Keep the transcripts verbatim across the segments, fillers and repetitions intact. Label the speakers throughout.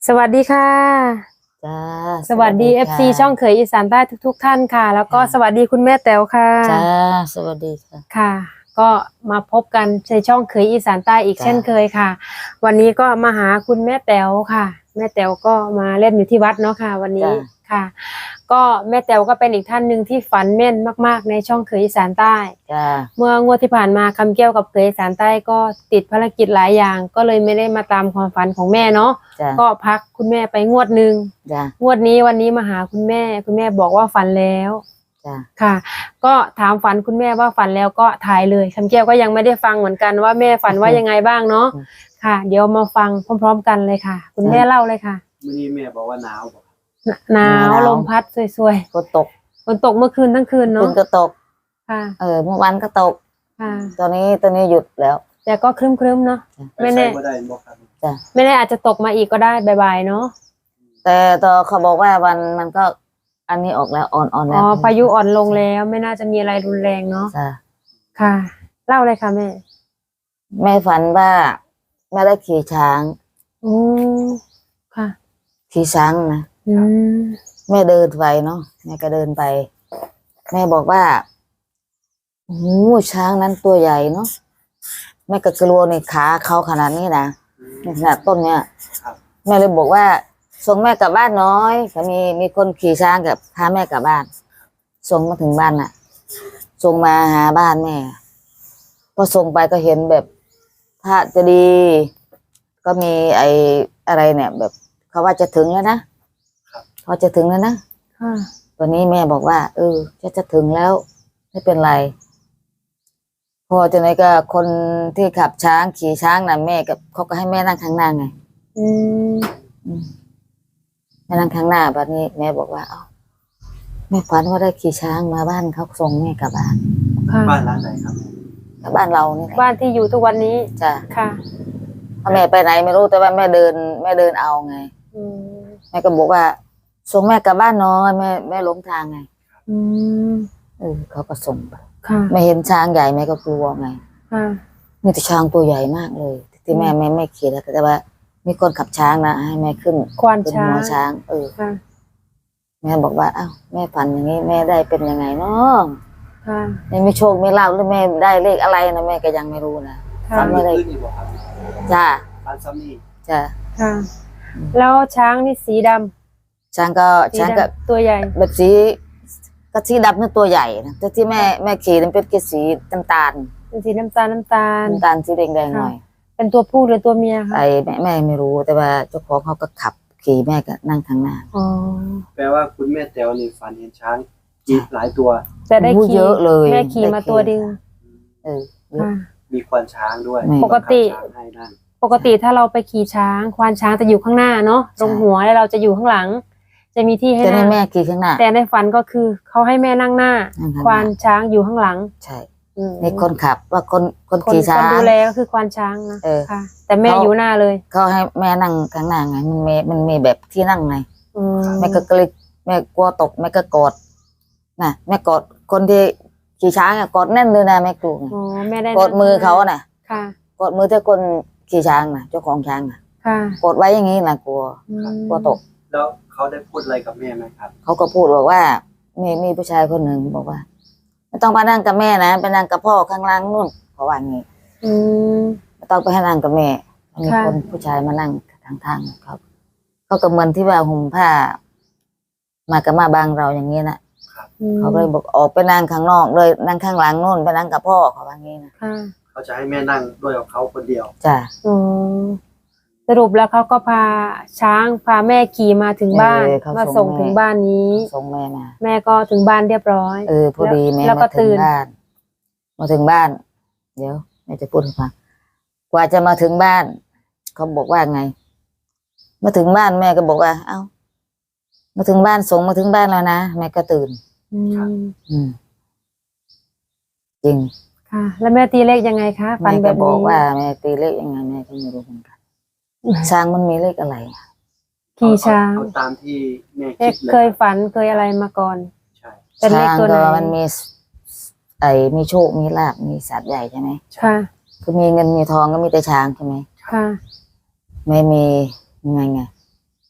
Speaker 1: สวัสดีค่ะ
Speaker 2: จ้า
Speaker 1: สวัสดี เอฟ ซี ช่องเขยอีสานใต้ทุกๆท่านค่ะแล้วก็สวัสดีคุณแม่แต๋วค่ะ
Speaker 2: จ้าสวัสดีค่ะ
Speaker 1: ค่ะก็มาพบกันในช่องเขยอีสานใต้อีกเช่นเคยค่ะวันนี้ก็มาหาคุณแม่แต๋วค่ะแม่แต๋วก็มาเล่นอยู่ที่วัดเนาะค่ะวันนี้ค่ะก็แม่แต๋วก็เป็นอีกท่านหนึ่งที่ฝันแม่นมากๆในช่องเขยอีสานใต้เมื่องวดที่ผ่านมาคำแก้วกับเขยอีสานใต้ก็ติดภารกิจหลายอย่างก็เลยไม่ได้มาตามความฝันของแม่เนาะก็พักคุณแม่ไปงวดหนึ่งงวดนี้วันนี้มาหาคุณแม่คุณแม่บอกว่าฝันแล้วค่ะก็ถามฝันคุณแม่ว่าฝันแล้วก็ถ่ายเลยคำแก้วก็ยังไม่ได้ฟังเหมือนกันว่าแม่ฝันว่ายังไงบ้างเนาะค่ะเดี๋ยวมาฟังพร้อมๆกันเลยค่ะคุณแม่เล่าเลยค่ะ
Speaker 3: วันนี้แม่บอกว่าหนาวบอก
Speaker 1: หนาวลมพัดสวย
Speaker 2: ๆฝนตก
Speaker 1: ฝนตกเมื่อคืนทั้งคืนเนาะ
Speaker 2: ฝนก็ตก
Speaker 1: ค่ะ
Speaker 2: เออเมื่อวานก็ตก
Speaker 1: ค่ะ
Speaker 2: ตอนนี้ตอนนี้หยุดแล้ว
Speaker 1: แต่ก็ครึ้มๆเนาะไม่แน่
Speaker 2: จ้ะ
Speaker 1: ไม่แน่อาจจะตกมาอีกก็ได้บ่ายๆเนาะ
Speaker 2: แต่ตอเขาบอกว่าวันมันก็อันนี้ออกแล้วอ่อนๆแล้ว
Speaker 1: อ๋อพายุอ่อนลงแล้วไม่น่าจะมีอะไรรุนแรงเนาะ
Speaker 2: จ้ะ
Speaker 1: ค่ะเล่าเลยค่ะแม่
Speaker 2: แม่ฝันว่าแม่ได้ขี่ช้าง
Speaker 1: อืมค่ะ
Speaker 2: ขี่ช้างนะ
Speaker 1: อืม
Speaker 2: แม่เดินไปเนาะแม่ก็เดินไปแม่บอกว่าโอ้ช้างนั้นตัวใหญ่เนาะแม่ก็กลัวในขาเขาขนาดนี้นะขนาดต้นเนี้ยแม่เลยบอกว่าส่งแม่กลับบ้านน้อยก็มีมีคนขี่ช้างกับพาแม่กลับบ้านส่งมาถึงบ้านน่ะส่งมาหาบ้านแม่พอส่งไปก็เห็นแบบถ้าจะดีก็มีไอ้อะไรเนี่ยแบบเขาว่าจะถึงแล้วนะพอจะถึงแล้วนะวันนี้แม่บอกว่าเออจะจะถึงแล้วไม่เป็นไรพอจะไหนก็คนที่ขับช้างขี่ช้างนะแม่กับเขาก็ให้แม่นั่งข้างหน้าไงอืมแม่นั่งข้างหน้าแบบนี้แม่บอกว่าเอ้าแม่ฝันว่าได้ขี่ช้างมาบ้านเขาส่งแม่กลับบ้าน
Speaker 3: บ้านร้านไหนครับ
Speaker 2: กับบ้านเรานี่
Speaker 1: บ้านที่อยู่ทุกวันนี้
Speaker 2: จ้ะ
Speaker 1: ค่ะ
Speaker 2: แม่ไปไหนไม่รู้แต่ว่าแม่เดินแม่เดินเอาไงแม่ก็บอกว่าส่งแม่กลับบ้านน้อยแม่แม่หลงทางไงอืมเออเขาก็ส่งไปไม่เห็นช้างใหญ่แม่ก็กลัวไงมีแต่ช้างตัวใหญ่มากเลยที่แม่ไม่ไม่ขี่แล้วแต่ว่ามีคนขับช้างนะให้แม่ขึ้น
Speaker 1: ควานช้าง
Speaker 2: หัวช้างเออแม่บอกว่าอ้าวแม่ฝันอย่างนี้แม่ได้เป็นยังไงเนาะไม่มีโชคไม่ลาภหรือแม่ได้เลขอะไรนะแม่ก็ยังไม่รู้นะ
Speaker 3: ฝันไม่ได้
Speaker 2: จ้า
Speaker 3: ฝันซ้ำนี่
Speaker 2: จ้า
Speaker 1: ค่ะแล้วช้างนี่สีด
Speaker 2: ำช้างก็ช้างก็
Speaker 1: ตัวใหญ่
Speaker 2: แบบสีก็สีดำนี่ตัวใหญ่นะแต่ที่แม่แม่ขี่มันเป็นกสีน้ำตาล
Speaker 1: เป็นสีน้ำตาลน้ำตาล
Speaker 2: น้ำตาลสีแดงแดงหน่อย
Speaker 1: เป็นตัวผู้หรือตัวเมียคะ
Speaker 2: ไอ้แม่แม่ไม่รู้แต่ว่าเจ้าของเขาก็ขับขี่แม่ก็นั่งข้างหน้า
Speaker 1: อ๋อ
Speaker 3: แปลว่าคุณแม่แต๋วนี่ฝันเห็นช้างกี่หลายตัว
Speaker 1: แต่ได้ขี่
Speaker 2: เยอะเลย
Speaker 1: แม่ขี่มาตัวเดียว
Speaker 2: เออ
Speaker 3: มีควานช้างด้วย
Speaker 1: ปกติปกติถ้าเราไปขี่ช้างควานช้างจะอยู่ข้างหน้าเนาะตรงหัวแล้วเราจะอยู่ข้างหลังจะมีที่ให้นั่ง
Speaker 2: แม่ขี่ข้างหน้า
Speaker 1: แต่ในฝันก็คือเขาให้แม่นั่งหน้าควานช้างอยู่ข้างหลัง
Speaker 2: ใช่ในคนขับว่าคนคนขี่ช้าง
Speaker 1: คนดูแลก็คือควานช้างนะค่ะแต่แม่อยู่หน้าเลย
Speaker 2: เขาให้แม่นั่งข้างหน้าไงมันมีมันมีแบบที่นั่งไงแม่ก็กลิ้แม่กลัวตกแม่ก็กอดน่ะแม่กอดคนที่ขี่ช้างอ่ะกอดแน่นเลยนะแม่กลัวไงกอดมือเขาน่ะกอดมือที่คนขี่ช้างน่ะเจ้าของช้างน่ะกอดไว้อย่างนี้แหละกลัวกลัวตก
Speaker 3: แล้วเขาได้พูดอะไรกับแม่ไหมครับ
Speaker 2: เขาก็พูดบอกว่ามีมีผู้ชายคนหนึ่งบอกว่าไม่ต้องไปนั่งกับแม่นะไปนั่งกับพ่อข้างล่างนู่นเขาว่างี้ไม่ต้องไปให้นั่งกับแม่มีคนผู้ชายมานั่งทางทางครับเขาก็เหมือนที่ว่าห่มผ้ามากับมาบางเราอย่างนี้นะเขาเลยบอกออกไปนั่งข้างนอกเลยนั่งข้างหลังนู่นไปนั่งกับพ่อเขาว่างี้นะ
Speaker 3: เขาจะให้แม่นั่งด้วยกับเขาคนเดียว
Speaker 2: จ้ะ
Speaker 1: สรุปแล้วเขาก็พาช้างพาแม่ขี่มาถึงบ้านมาส่งถึงบ้านนี้
Speaker 2: ส่งแม่มา
Speaker 1: แม่ก็ถึงบ้านเรียบร้อย
Speaker 2: เออพอดีแม่มาถึงบ้านมาถึงบ้านเดี๋ยวแม่จะพูดให้ฟังกว่าจะมาถึงบ้านเขาบอกว่าไงมาถึงบ้านแม่ก็บอกว่าเอ้ามาถึงบ้านส่งมาถึงบ้านแล้วนะแม่ก็ตื่นอืมจริง
Speaker 1: ค่ะแล้วแม่ตีเลขยังไงคะ
Speaker 2: ฟันแบบนี้บอกว่าแม่ตีเลขยังไงแม่ก็ไม่รู้เหมือนกันช้างมันมีเลขอะไร
Speaker 1: ขี่ช้าง
Speaker 3: ตามที่แม่คิด
Speaker 1: เคยฝันเคยอะไรมาก่อน
Speaker 2: ใช่ช้างก็มันมีไอ้มีโชคมีลาภมีสัตว์ใหญ่ใช่ไหม
Speaker 1: ค่ะ
Speaker 2: คือมีเงินมีทองก็มีแต่ช้างใช่ไหม
Speaker 1: ค่ะ
Speaker 2: ไม่มีไงไง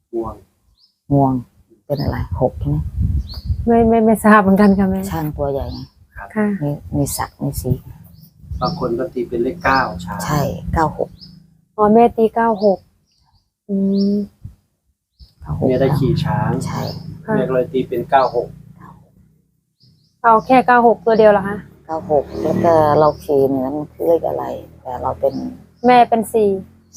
Speaker 3: ห่วง
Speaker 2: งวงเป็นอะไรหกใช่ไหม
Speaker 1: ไม่ไม่ไม่ทราบเหมือนกันค่ะแม่
Speaker 2: ช่างตัวใหญ่ไง
Speaker 1: ค่ะ
Speaker 2: มีมีสักมีสี
Speaker 3: บางคนก็ตีเป็นเลขเก้าช้าง
Speaker 2: ใช่เก้าหก
Speaker 1: อ๋อแม่ตีเก้าหกอืม
Speaker 2: เก้าหก
Speaker 3: แม่ได้ขี่ช้าง
Speaker 2: ใช่
Speaker 1: ค่ะ
Speaker 3: แม่ก็เลยตีเป็นเก้าหก
Speaker 1: เอาแค่เก้าหกตัวเดียวเหรอคะ
Speaker 2: เก้าหกแล้วก็เราขี่เนี่ยมันคือเลขอะไร แต่เราเป็น
Speaker 1: แม่เป็นสี่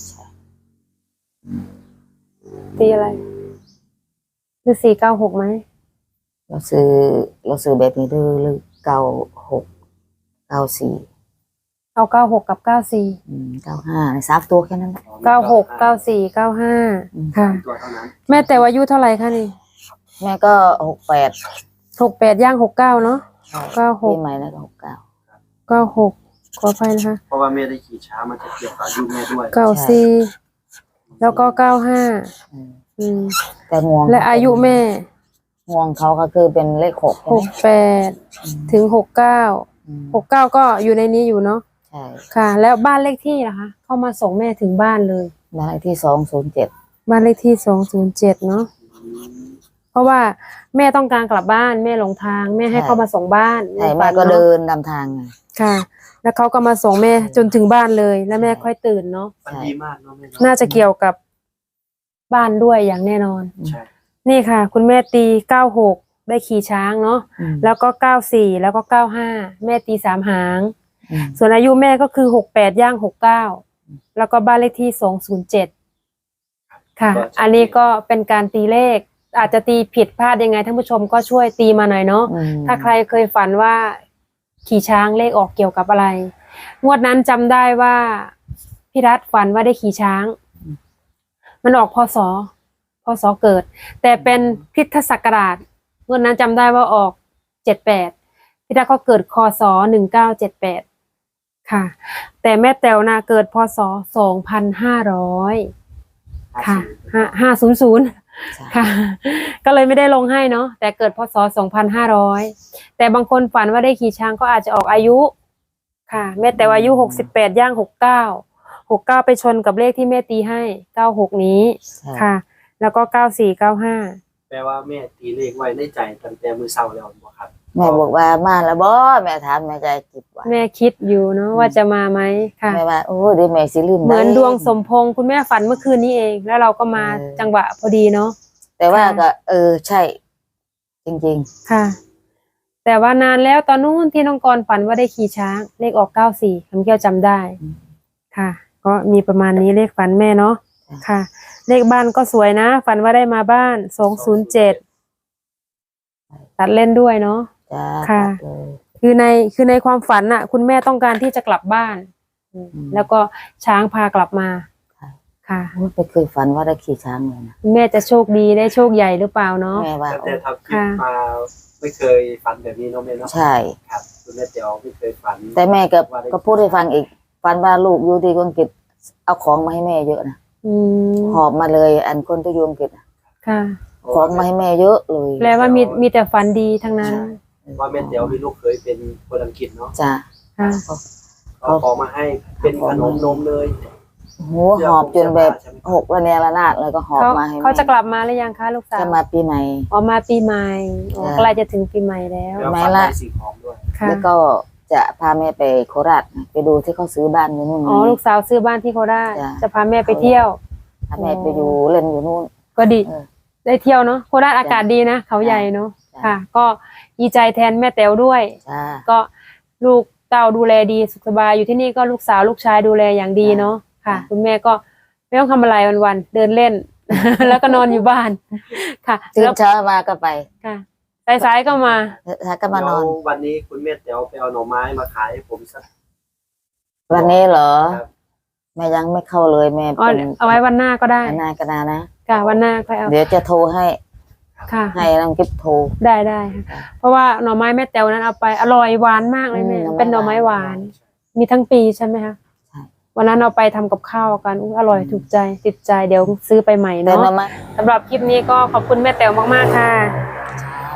Speaker 1: ตีอะไรหรือสี่เก้าหกไหม
Speaker 2: เราซื้อเราซื้อแบบนี้ด้วยเลขเก้าหกเก้าสี่
Speaker 1: เอาเก้าหกกับเก้าสี่
Speaker 2: เก้าห้าสามตัวแค่นั้นแหละ
Speaker 1: เก้าหกเก้าสี่เก้าห้า
Speaker 2: อืม
Speaker 1: ค่ะ
Speaker 3: ตัวเท่านั้น
Speaker 1: แม่แต่วาอายุเท่าไหร่คะนี่
Speaker 2: แม่ก็หกแปด
Speaker 1: หกแปดย่างหกเก้าเนาะ เก้าหก
Speaker 2: ปีใหม่แล้วก็หกเก้า
Speaker 1: เก้าหกขออภัยนะคะ
Speaker 3: เพราะว่าแม่ได้ขี่ช้างมันจะเกี่ยวกับอายุแม่ด้วย
Speaker 1: เก้าสี่แล้วก็เก้าห้า
Speaker 2: อืม
Speaker 1: อืม
Speaker 2: แต่งวง
Speaker 1: และอายุแม่
Speaker 2: งวงเขาก็คือเป็นเลขหกใช่
Speaker 1: ห
Speaker 2: ไหม
Speaker 1: กแปดถึงหกเก้า
Speaker 2: อืม
Speaker 1: หกเก้าก็อยู่ในนี้อยู่เนาะ
Speaker 2: ใช่
Speaker 1: ค่ะ แล้วบ้านเลขที่ล่ะคะเข้ามาส่งแม่ถึงบ้านเลย
Speaker 2: บ้านเลขที่สองศูนย์เจ็ด
Speaker 1: บ้านเลขที่สองศูนย์เจ็ดเนาะ
Speaker 3: อืม
Speaker 1: เพราะว่าแม่ต้องการกลับบ้านแม่หลงทางแม่ให้เข้ามาส่งบ้าน
Speaker 2: ใช่
Speaker 1: ในฝั
Speaker 2: แม่
Speaker 1: น
Speaker 2: ก็
Speaker 1: เนาะ
Speaker 2: เดินนำทางไง
Speaker 1: ค่ะ แล้วเขาก็มาส่งแม่จนถึงบ้านเลย แล้วแม่ค่อยตื่นเนาะ
Speaker 3: มันดีมากเนาะแม่เนาะ
Speaker 1: น่าจะเกี่ยวกับบ้านด้วยอย่างแน่นอน
Speaker 3: ใช่
Speaker 1: นี่ค่ะ คุณแม่ตีเก้าหกได้ขี่ช้างเนาะ
Speaker 2: อืม
Speaker 1: แล้วก็เก้าสี่แล้วก็เก้าห้าแม่ตีสามหาง
Speaker 2: อืม
Speaker 1: ส่วนอายุแม่ก็คือหกแปดย่างหกเก้าแล้วก็บ้านเลขที่สองศูนย์เจ็ดค่ะ อันนี้ก็เป็นการตีเลข อาจจะตีผิดพลาดยังไงท่านผู้ชมก็ช่วยตีมาหน่อยเนาะ
Speaker 2: อืม
Speaker 1: ถ้าใครเคยฝันว่าขี่ช้างเลขออกเกี่ยวกับอะไร งวดนั้นจำได้ว่าพี่รัฐฝันว่าได้ขี่ช้าง มันออกพศพศเกิด แต่เป็นคริสตศักราชงวดนั้นจำได้ว่าออกเจ็ดแปดพี่รัฐก็เกิดคศหนึ่งเก้าเจ็ดแปดค่ะ แต่แม่แต๋วนาเกิดพศสองพันห้าร้อยค่ะห้าห้าศูนย์ศูนย์
Speaker 2: ใช่
Speaker 1: ค่ะ ก็เลยไม่ได้ลงให้เนาะแต่เกิดพศสองพันห้าร้อยแต่บางคนฝันว่าได้ขี่ช้างก็อาจจะออกอายุ ค่ะ แม่แต่ว่าอายุหกสิบแปดย่างหกเก้าหกเก้าไปชนกับเลขที่แม่ตีให้เก้าหกนี้
Speaker 2: ใช่
Speaker 1: ค่ะ แล้วก็เก้าสี่เก้าห้า
Speaker 3: แปลว่าแม่ตีเลขไว้ในใจตั้งแต่มือเศร้าแล้วบ่ครับ
Speaker 2: แม่บอกว่ามาแล้วบ่แม่ถามแม่ใจจิตว่า
Speaker 1: แม่คิดอยู่เนาะว่าจะมาไหมค่ะ
Speaker 2: แม่ว่าโอ้เดี๋ยวแม่สิลืม
Speaker 1: เหมือน
Speaker 2: ไ
Speaker 1: ดวงสมพงษ์คุณแม่ฝันเมื่อคืนนี้เอง แล้วเราก็มา
Speaker 2: เออ
Speaker 1: จังหวะพอดีเนาะ
Speaker 2: แต่ว่า
Speaker 1: ค่ะ
Speaker 2: ก็ เออใช่ จริง
Speaker 1: ค่ะ แต่ว่านานแล้วตอนนู้นที่น้องกรฝันว่าได้ขี่ช้าง เลขออกเก้าสี่คำแก้วจำได้ ค่ะ ก็มีประมาณนี้เลขฝันแม่เนาะค่ะ เลขบ้านก็สวยนะ ฝันว่าได้มาบ้านสองศูนย์เจ็ดตัดเล่นด้วยเนาะ
Speaker 2: ๆจ้า
Speaker 1: ค่ะ
Speaker 2: ตัดเลย
Speaker 1: คือในคือในความฝันน่ะ คุณแม่ต้องการที่จะกลับบ้านอืม
Speaker 2: อืม
Speaker 1: แล้วก็ช้างพากลับมา
Speaker 2: ค่ะ
Speaker 1: ค่ะ
Speaker 2: ไม่เคยฝันว่าได้ขี่ช้างเลยนะ
Speaker 1: คุณแม่จะโชคดีได้โชคใหญ่หรือเปล่าเนาะ
Speaker 2: แม่ว่า
Speaker 3: ตั้ง
Speaker 2: โอ้
Speaker 3: แต่ทำคลิป
Speaker 1: ค่ะ
Speaker 3: มาไม่เคยฝันแบบนี้เนาะแม่เนาะ
Speaker 2: ใช่
Speaker 3: ครับคุณแม่เตียวไม่เคยฝัน
Speaker 2: แต่แม่ก็ก็พูดให้ฟังอีกฝันว่าลูกอยู่ที่อังกฤษเอาของมาให้แม่เยอะนะ
Speaker 1: อืม
Speaker 2: หอบมาเลย อันคนที่อยู่อังกฤษน่ะ
Speaker 1: ค่ะ
Speaker 2: ของมาให้แม่เยอะเลย
Speaker 1: แปลว่ามีมีแต่ฝันดีทั้งนั้น
Speaker 3: ว่าแม่เตียวมีลูกเคยเป็นคนอังกฤษเนาะ
Speaker 2: จ้า
Speaker 1: ค่ะ
Speaker 3: เขาขอมาให้เป็นขนมนมเลย
Speaker 2: โหหอบจนแบบหกระเนระนาดเลยก็หอบ
Speaker 1: เขา
Speaker 2: มาให้แม่
Speaker 1: เขาจะกลับมาหรือยังคะลูกสาว
Speaker 2: จะมาปีใหม่
Speaker 1: อ๋อมาปีใหม่อ๋อ
Speaker 2: ใช่
Speaker 1: ใกล้จะถึงปีใหม่แล้ว
Speaker 3: แล้ว
Speaker 2: ไม่
Speaker 3: ฝัน
Speaker 2: ละ
Speaker 3: ได้สิ่งของด้วย
Speaker 1: ค่ะ
Speaker 2: แล้วก็จะพาแม่ไปโคราชไปดูที่เขาซื้อบ้านอยู่นู่น
Speaker 1: อ๋อลูกสาวซื้อบ้านที่โคราช
Speaker 2: จ้ะ
Speaker 1: จะพาแม่ไปเที่ยว
Speaker 2: พาแม่ไปอยู่เล่นอยู่นู่น
Speaker 1: ก็ดี
Speaker 2: เออ
Speaker 1: ได้เที่ยวเนาะโคราชอากาศดีนะเขาใหญ่เนาะ
Speaker 2: จ้ะ
Speaker 1: ค่ะ ก็ดีใจแทนแม่แต๋วด้วย
Speaker 2: จ้า
Speaker 1: ก็ลูกเต้าดูแลดีสุขสบายอยู่ที่นี่ก็ลูกสาวลูกชายดูแลอย่างดีเนาะค่ะ
Speaker 2: จ้ะ
Speaker 1: คุณแม่ก็ไม่ต้องทำอะไรวันๆเดินเล่น แล้วก็นอนอยู่บ้านค่ะ
Speaker 2: ตื่
Speaker 1: แล้
Speaker 2: น
Speaker 1: ว
Speaker 2: เช้ามาก็ไป
Speaker 1: ค่ะสายๆก็มา
Speaker 2: ถ้าก็มานอน
Speaker 3: แล้ววันนี้คุณแม่เตียวไปเอาหน่อไม้มาขายให้ผมสัก
Speaker 2: วันนี้เหรอ
Speaker 3: ครับ
Speaker 2: แม่ยังไม่เข้าเลยแม่
Speaker 1: อ๋อ
Speaker 2: เป็น
Speaker 1: เอาไว้วันหน้าก็ได้
Speaker 2: อันหน้ากระดานะ
Speaker 1: ค่ะวันหน้าค่อยเอา
Speaker 2: เดี๋ยวจะโทรให้
Speaker 1: ค่ะ
Speaker 2: ให้น้องกิ๊บโทร
Speaker 1: ได้ได้ค่ะเพราะว่าหน่อไม้แม่แต๋วนั้นเอาไปอร่อยหวานมากเลยแม่
Speaker 2: อืม
Speaker 1: เป็นหน่อไม้หวาน มีทั้งปีใช่ไหมคะ
Speaker 2: ใช่
Speaker 1: วันนั้นเอาไปทำกับข้าวกันอุ๊ยอร่อยถูกใจติดใจเดี๋ยวซื้อไปใหม่
Speaker 2: เดิน
Speaker 1: เนาะ
Speaker 2: มาไหม
Speaker 1: สำหรับคลิปนี้ก็ขอบคุณแม่แต๋วมากๆค่ะ
Speaker 2: จ้า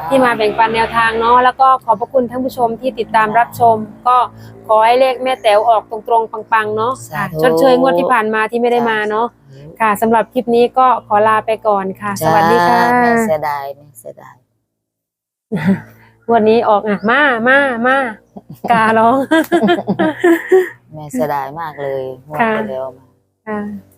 Speaker 1: ที่มาแบ่งปันแนวทางเนาะแล้วก็ขอบพระคุณท่านผู้ชมที่ติดตามรับชม ก็ขอให้เลขแม่แต๋วออกตรงๆปังๆเนาะค่ะชดเชยงวดที่ผ่านมาที่ไม่ได้มาเนาะค่ะสำหรับคลิปนี้ก็ขอลาไปก่อนค่ะ สวัสดีค่ะ
Speaker 2: แม่เสียดายแม่เสียดาย
Speaker 1: วันนี้ออกอ่ะมามามาการ้อง
Speaker 2: แม่เสียดายมากเลยงวด
Speaker 1: ค่ะ
Speaker 2: ไปแล้ว
Speaker 1: ค่ะ